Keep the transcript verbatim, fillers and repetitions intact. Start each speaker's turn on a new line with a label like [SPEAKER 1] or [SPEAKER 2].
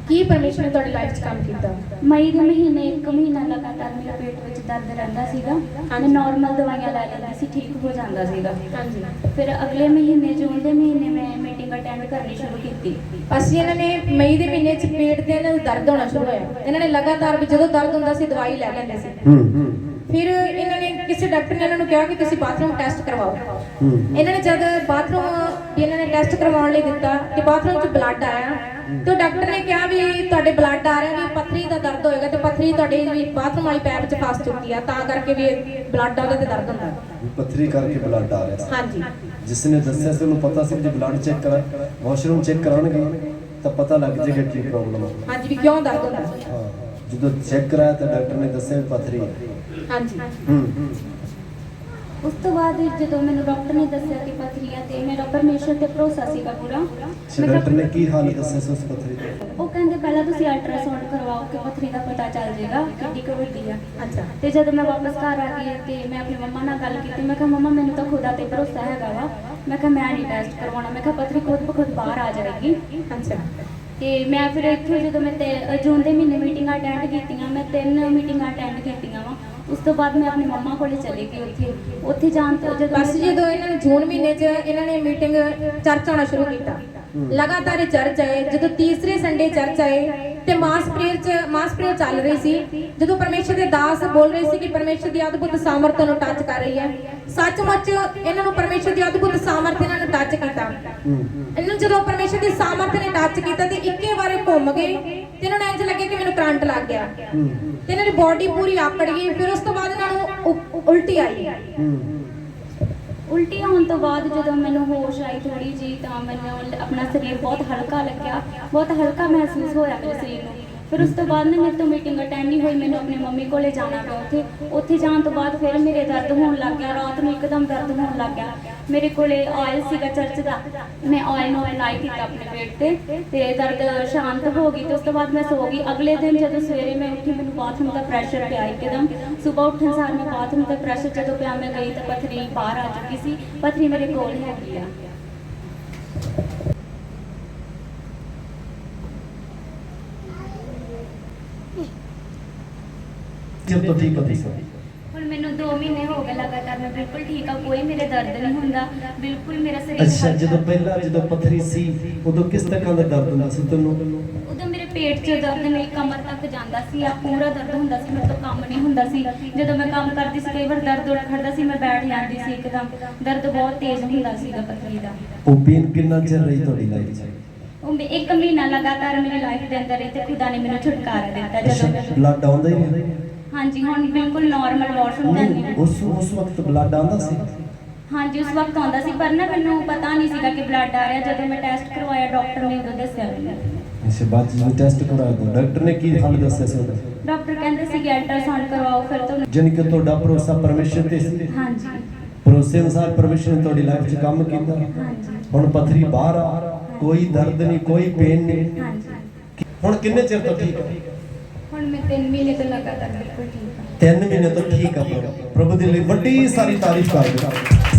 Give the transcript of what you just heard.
[SPEAKER 1] ਕੀ ਪਰਮੇਸ਼ਰ ਨੇ ਤੁਹਾਡੀ ਲਾਈਫ 'ਚ ਕੰਮ ਕੀਤਾ?
[SPEAKER 2] ਮਈ ਦੇ ਮਹੀਨੇ ਇੱਕ ਮਹੀਨਾ ਲਗਾਤਾਰ ਮੇਰੇ ਪੇਟ ਵਿੱਚ ਦਰਦ ਰਹਿੰਦਾ ਸੀਗਾ। ਮੈਂ ਨਾਰਮਲ ਦਵਾਈਆਂ ਲੈ ਲੈਂਦੀ ਸੀ, ਠੀਕ ਹੋ ਜਾਂਦਾ ਸੀਗਾ।
[SPEAKER 1] ਹਾਂਜੀ।
[SPEAKER 2] ਫਿਰ ਅਗਲੇ ਮਹੀਨੇ ਜੂਨ ਦੇ ਮਹੀਨੇ ਮੈਂ ਮੀਟਿੰਗ ਅਟੈਂਡ ਕਰਨੀ ਸ਼ੁਰੂ ਕੀਤੀ।
[SPEAKER 1] ਅਸੀਂ ਇਹਨਾਂ ਨੇ ਮਈ ਦੇ ਮਹੀਨੇ 'ਚ ਪੇਟ ਦੇ ਇਹਨਾਂ ਨੂੰ ਦਰਦ ਹੋਣਾ ਸ਼ੁਰੂ ਹੋਇਆ। ਇਹਨਾਂ ਨੇ ਲਗਾਤਾਰ ਵੀ ਜਦੋਂ ਦਰਦ ਹੁੰਦਾ ਸੀ ਦਵਾਈ ਲੈ ਲੈਂਦੇ ਸੀ। ਫਿਰ ਇਹਨਾਂ ਨੇ ਕਿਸੇ ਡਾਕਟਰ ਨੇ ਇਹਨਾਂ ਨੂੰ ਕਿਹਾ ਕਿ ਤੁਸੀਂ ਬਾਥਰੂਮ ਟੈਸਟ ਕਰਵਾਓ। ਇਹਨਾਂ ਨੇ ਜਦ ਬਾਥਰੂਮ ਵੀ ਇਹਨਾਂ ਨੇ ਟੈਸਟ ਕਰਵਾਉਣ ਲਈ ਦਿੱਤਾ ਕਿ ਬਾਥਰੂਮ 'ਚ ਬਲੱਡ ਆਇਆ ਤੇ ਡਾਕਟਰ ਨੇ ਕਿਹਾ ਵੀ ਤੁਹਾਡੇ ਬਲੱਡ ਆ ਰਿਹਾ ਵੀ ਪੱਥਰੀ ਦਾ ਦਰਦ ਹੋਏਗਾ ਤੇ ਪੱਥਰੀ ਤੁਹਾਡੇ ਵੀ ਬਾਥਰੂਮ ਵਾਲੀ ਪੈਪ 'ਚ ਫਸ ਚੁੱਕੀ ਆ, ਤਾਂ ਕਰਕੇ ਵੀ ਬਲੱਡ ਆਉਂਦਾ ਤੇ ਦਰਦ ਹੁੰਦਾ।
[SPEAKER 3] ਪੱਥਰੀ ਕਰਕੇ ਬਲੱਡ ਆ ਰਿਹਾ ਸੀ।
[SPEAKER 1] ਹਾਂਜੀ।
[SPEAKER 3] ਜਿਸ ਨੇ ਦੱਸਿਆ ਸੀ ਉਹਨੂੰ ਪਤਾ ਸੀ ਕਿ ਬਲੱਡ ਚੈੱਕ ਕਰਾ ਵਾਸ਼ਰੂਮ ਚੈੱਕ ਕਰਾਉਣਗੇ ਤਾਂ ਪਤਾ ਲੱਗ ਜਾਏਗਾ ਕੀ ਪ੍ਰੋਬਲਮ ਹੈ।
[SPEAKER 1] ਹਾਂਜੀ, ਵੀ ਕਿਉਂ ਦਰਦ ਹੁੰਦਾ।
[SPEAKER 3] ਹਾਂ, ਜਦੋਂ ਚੈੱਕ ਕਰਾਇਆ ਤਾਂ ਡਾਕਟਰ ਨੇ ਦੱਸਿਆ ਵੀ ਪੱਥਰੀ ਹੈ।
[SPEAKER 1] ਹਾਂਜੀ।
[SPEAKER 3] ਹੂੰ।
[SPEAKER 2] ਉਸ ਤੋਂ ਬਾਅਦ ਜਦੋਂ ਮੈਨੂੰ ਡਾਕਟਰ ਨੇ ਦੱਸਿਆ ਕਿ ਪੱਥਰੀ ਆ ਤੇ ਮੇਰਾ ਪਰਮੇਸ਼ਰ ਤੇ ਭਰੋਸਾ ਸੀਗਾ ਪੂਰਾ।
[SPEAKER 3] ਅੱਛਾ, ਡਾਕਟਰ ਨੇ ਕੀ ਹਾਲਤ ਦੱਸਿਆ ਸੀ ਉਸ ਪੱਥਰੀ ਦੀ?
[SPEAKER 2] ਉਹ ਕਹਿੰਦੇ ਪਹਿਲਾਂ ਤੁਸੀਂ ਅਲਟਰਾਸਾਊਂਡ ਕਰਵਾਓ ਕਿ ਪੱਥਰੀ ਦਾ ਪਤਾ ਚੱਲ ਜਾਏਗਾ ਕਿੰਨੀ ਕੁ ਵੱਡੀ ਆ।
[SPEAKER 1] ਅੱਛਾ।
[SPEAKER 2] ਤੇ ਜਦੋਂ ਮੈਂ ਵਾਪਸ ਘਰ ਆ ਗਈ ਤੇ ਮੈਂ ਆਪਣੀ ਮੰਮਾ ਨਾਲ ਗੱਲ ਕੀਤੀ, ਮੈਂ ਕਿਹਾ ਮੰਮਾ ਮੈਨੂੰ ਤਾਂ ਖੁਦਾ ਤੇ ਭਰੋਸਾ ਹੈਗਾ ਵਾ, ਮੈਂ ਕਿਹਾ ਮੈਂ ਨਹੀਂ ਟੈਸਟ ਕਰਵਾਉਣਾ, ਮੈਂ ਕਿਹਾ ਪੱਥਰੀ ਖੁਦ ਬ ਖੁਦ ਬਾਹਰ ਆ ਜਾਏਗੀ।
[SPEAKER 1] ਅੱਛਾ।
[SPEAKER 2] ਤੇ ਮੈਂ ਫਿਰ ਇੱਥੇ ਜਦੋਂ ਮੈਂ ਤੇ ਜੂਨ ਦੇ ਮਹੀਨੇ ਮੀਟਿੰਗਾਂ ਅਟੈਂਡ ਕੀਤੀਆਂ, ਮੈਂ ਤਿੰਨ ਮੀਟਿੰਗਾਂ ਅਟੈਂਡ ਕੀਤੀਆਂ ਵਾ। ਉਸ ਤੋਂ ਬਾਅਦ ਮੈਂ ਆਪਣੀ ਮੰਮਾ ਕੋਲੇ ਚਲੀ ਗਈ। ਉੱਥੇ ਉੱਥੇ ਜਾਣ ਤੋਂ ਜਦੋਂ
[SPEAKER 1] ਬਸ ਜਦੋਂ ਇਹਨਾਂ ਨੇ ਜੂਨ ਮਹੀਨੇ 'ਚ ਇਹਨਾਂ ਨੇ ਮੀਟਿੰਗ ਚਰਚ ਆਉਣਾ ਸ਼ੁਰੂ ਕੀਤਾ, ਲਗਾਤਾਰ ਇਹ ਚਰਚ ਆਏ। ਜਦੋਂ ਤੀਸਰੇ ਸੰਡੇ ਚਰਚ ਆਏ ਤੇ ਮਾਸ ਪ੍ਰੇਅਰ 'ਚ ਮਾਸ ਪ੍ਰੇਅਰ ਚੱਲ ਰਹੀ ਸੀ, ਜਦੋਂ ਪਰਮੇਸ਼ਰ ਦੇ ਦਾਸ ਬੋਲ ਰਹੇ ਸੀ ਕਿ ਪਰਮੇਸ਼ਰ ਦੀ ਅਦਭੁਤ ਸਾਮਰਥ ਨੂੰ ਟੱਚ ਕਰ ਰਹੀ ਹੈ। ਸੱਚਮੁੱਚ ਇਹਨਾਂ ਨੂੰ ਪਰਮੇਸ਼ਰ ਦੀ ਅਦਭੁਤ ਸਾਮਰਥ ਇਹਨਾਂ ਨੂੰ ਟੱਚ ਕੀਤਾ। ਇਹਨਾਂ ਨੂੰ ਜਦੋਂ ਪਰਮੇਸ਼ਰ ਦੀ ਸਾਮਰਥ ਨੇ ਟੱਚ ਕੀਤਾ ਤੇ ਇੱਕੇ ਵਾਰੇ ਘੁੰਮ ਗਏ ਤੇ ਇਹਨਾਂ ਨੂੰ ਇੰਜ ਲੱਗੇ ਕਿ ਮੈਨੂੰ ਕਰੰਟ ਲੱਗ ਗਿਆ ਤੇ ਇਹਨਾਂ ਦੀ ਬਾਡੀ ਪੂਰੀ ਆਕੜ ਗਈ। ਫਿਰ ਉਸ ਤੋਂ ਬਾਅਦ ਇਹਨਾਂ ਨੂੰ ਉ- ਉਲਟੀ ਆਈ।
[SPEAKER 2] ਉਲਟੀ ਆਉਣ ਤੋਂ ਬਾਅਦ ਜਦੋਂ ਮੈਨੂੰ ਹੋਸ਼ ਆਈ ਥੋੜੀ ਜੀ, ਤਾਂ ਮੈਨੂੰ ਆਪਣਾ ਸਰੀਰ ਬਹੁਤ ਹਲਕਾ ਲੱਗਿਆ, ਬਹੁਤ ਹਲਕਾ ਮਹਿਸੂਸ ਹੋਇਆ ਮੇਰੇ ਸਰੀਰ ਨੂੰ। ਫਿਰ ਉਸ ਤੋਂ ਬਾਅਦ ਨਾ ਮੇਰੇ ਤੋਂ ਮੀਟਿੰਗ ਅਟੈਂਡ ਨਹੀਂ ਹੋਈ, ਮੈਨੂੰ ਆਪਣੀ ਮੰਮੀ ਕੋਲੇ ਜਾਣਾ ਪਿਆ। ਉੱਥੇ ਉੱਥੇ ਜਾਣ ਤੋਂ ਬਾਅਦ ਫਿਰ ਮੇਰੇ ਦਰਦ ਹੋਣ ਲੱਗ ਗਿਆ, ਰਾਤ ਨੂੰ ਇੱਕਦਮ ਦਰਦ ਹੋਣ ਲੱਗ ਗਿਆ। ਮੇਰੇ ਕੋਲੇ ਆਇਲ ਸੀਗਾ ਚਰਚ ਦਾ, ਮੈਂ ਆਇਲ ਨੂੰ ਅਪਲਾਈ ਕੀਤਾ ਆਪਣੇ ਪੇਟ ਤੇ ਤੇ ਦਰਦ ਸ਼ਾਂਤ ਹੋ ਗਈ। ਤੇ ਉਸ ਤੋਂ ਬਾਅਦ ਮੈਂ ਸੋ ਗਈ। ਅਗਲੇ ਦਿਨ ਜਦੋਂ ਸਵੇਰੇ ਮੈਂ ਉੱਠੀ, ਮੈਨੂੰ ਬਾਥਰੂਮ ਦਾ ਪ੍ਰੈਸ਼ਰ ਪਿਆ ਇੱਕਦਮ। ਸਵੇਰ ਉੱਠਣ ਸਾਰ ਮੈਂ ਬਾਥਰੂਮ ਦਾ ਪ੍ਰੈਸ਼ਰ ਜਦੋਂ ਪਿਆ, ਮੈਂ ਗਈ ਤਾਂ ਪੱਥਰੀ ਬਾਹਰ ਆ ਚੁੱਕੀ ਸੀ। ਪੱਥਰੀ ਮੇਰੇ ਕੋਲ ਹੈਗੀ ਆ।
[SPEAKER 3] ਜਦ ਤੋਂ ਠੀਕ ਹੋਈ ਸੀ
[SPEAKER 2] ਹੁਣ ਮੈਨੂੰ ਦੋ ਮਹੀਨੇ ਹੋ ਗਏ ਲਗਾਤਾਰ, ਮੈਂ ਬਿਲਕੁਲ ਠੀਕ ਆ, ਕੋਈ ਮੇਰੇ ਦਰਦ ਨਹੀਂ ਹੁੰਦਾ, ਬਿਲਕੁਲ ਮੇਰਾ ਸਰੀਰ
[SPEAKER 3] ਅੱਛਾ, ਜਦੋਂ ਪਹਿਲਾਂ ਜਦੋਂ ਪੱਥਰੀ ਸੀ ਉਦੋਂ ਕਿਸ ਤਰ੍ਹਾਂ ਦਾ ਦਰਦ ਹੁੰਦਾ ਸੀ ਤੁਹਾਨੂੰ?
[SPEAKER 2] ਉਦੋਂ ਮੇਰੇ ਪੇਟ 'ਚ ਦਰਦ, ਮੇਰੀ ਕਮਰ ਤੱਕ ਜਾਂਦਾ ਸੀ, ਆ ਪੂਰਾ ਦਰਦ ਹੁੰਦਾ ਸੀ, ਮੇਰੇ ਤੋਂ ਕੰਮ ਨਹੀਂ ਹੁੰਦਾ ਸੀ। ਜਦੋਂ ਮੈਂ ਕੰਮ ਕਰਦੀ ਸੀ ਕਈ ਵਾਰ ਦਰਦ ਉੱਠ ਖੜਦਾ ਸੀ, ਮੈਂ ਬੈਠ ਜਾਂਦੀ ਸੀ ਇੱਕਦਮ। ਦਰਦ ਬਹੁਤ ਤੇਜ਼ ਹੁੰਦਾ ਸੀਗਾ ਪੱਥਰੀ ਦਾ।
[SPEAKER 3] ਉਹ ਪੇਨ ਕਿੰਨਾ ਚਿਰ ਰਹੀ ਤੁਹਾਡੀ ਲਾਈਫ 'ਚ?
[SPEAKER 2] ਉਹ ਇੱਕ ਮਹੀਨਾ ਲਗਾਤਾਰ ਮੇਰੀ ਲਾਈਫ ਦੇ ਅੰਦਰ ਰਹੀ ਤੇ ਖੁਦਾ ਨੇ ਮੈਨੂੰ ਛੁਟਕਾਰਾ ਦਿੱਤਾ। ਜਦੋਂ ਮੈਂ
[SPEAKER 3] ਬਲੱਡ ਆਉਂਦਾ ਹੀ ਨਹੀਂ?
[SPEAKER 2] ਹਾਂਜੀ, ਹੁਣ ਬਿਲਕੁਲ ਨਾਰਮਲ ਵਾਸ਼ਰੂਮ ਜਾਂਦੀ ਹਾਂ।
[SPEAKER 3] ਉਸ ਉਸ ਵਕਤ ਬਲੱਡ ਆਉਂਦਾ ਸੀ?
[SPEAKER 2] ਹਾਂਜੀ, ਉਸ ਵਕਤ ਆਉਂਦਾ ਸੀ, ਪਰ ਨਾ ਮੈਨੂੰ ਪਤਾ ਨਹੀਂ ਸੀਗਾ ਕਿ ਬਲੱਡ ਆ ਰਿਹਾ। ਜਦੋਂ ਮੈਂ ਟੈਸਟ ਕਰਵਾਇਆ ਡਾਕਟਰ ਨੇ ਉਦੋਂ ਦੱਸਿਆ ਮੈਨੂੰ।
[SPEAKER 3] ਅੱਛਾ, ਬਾਅਦ ਜਦੋਂ ਟੈਸਟ ਕਰਾਇਆ ਡਾਕਟਰ ਨੇ ਕੀ ਹਾਲ ਦੱਸਿਆ ਸੀ ਉਹਦਾ?
[SPEAKER 2] ਡਾਕਟਰ ਕਹਿੰਦੇ ਸੀ ਕਿ ਅਲਟਰਾਸਾਊਂਡ ਕਰਵਾਓ ਫਿਰ ਤੁਹਾਨੂੰ।
[SPEAKER 3] ਜਾਣੀ ਕਿ ਤੁਹਾਡਾ ਭਰੋਸਾ ਪਰਮੇਸ਼ਰ ਤੇ ਸੀ?
[SPEAKER 2] ਹਾਂਜੀ।
[SPEAKER 3] ਭਰੋਸੇ ਅਨੁਸਾਰ ਪਰਮੇਸ਼ਰ ਨੇ ਤੁਹਾਡੀ ਲਾਈਫ 'ਚ ਕੰਮ ਕੀਤਾ।
[SPEAKER 2] ਹਾਂਜੀ।
[SPEAKER 3] ਹੁਣ ਪੱਥਰੀ ਬਾਹਰ ਆ, ਕੋਈ ਦਰਦ ਨਹੀਂ, ਕੋਈ ਪੇਨ ਨਹੀਂ।
[SPEAKER 2] ਹਾਂਜੀ।
[SPEAKER 3] ਹੁਣ ਕਿੰਨੇ ਚਿਰ ਤੋਂ ਠੀਕ ਹੈ?
[SPEAKER 2] ਹੁਣ ਮੈਂ ਤਿੰਨ ਮਹੀਨੇ ਤੋਂ ਲਗਾਤਾਰ ਬਿਲਕੁਲ ਠੀਕ ਹਾਂ।
[SPEAKER 3] ਤਿੰਨ ਮਹੀਨੇ ਤੋਂ ਠੀਕ ਆ। ਪ੍ਰਭੂ ਦੇ ਲਈ ਵੱਡੀ ਸਾਰੀ ਤਾਰੀਫ ਕਰ ਦਿਓ।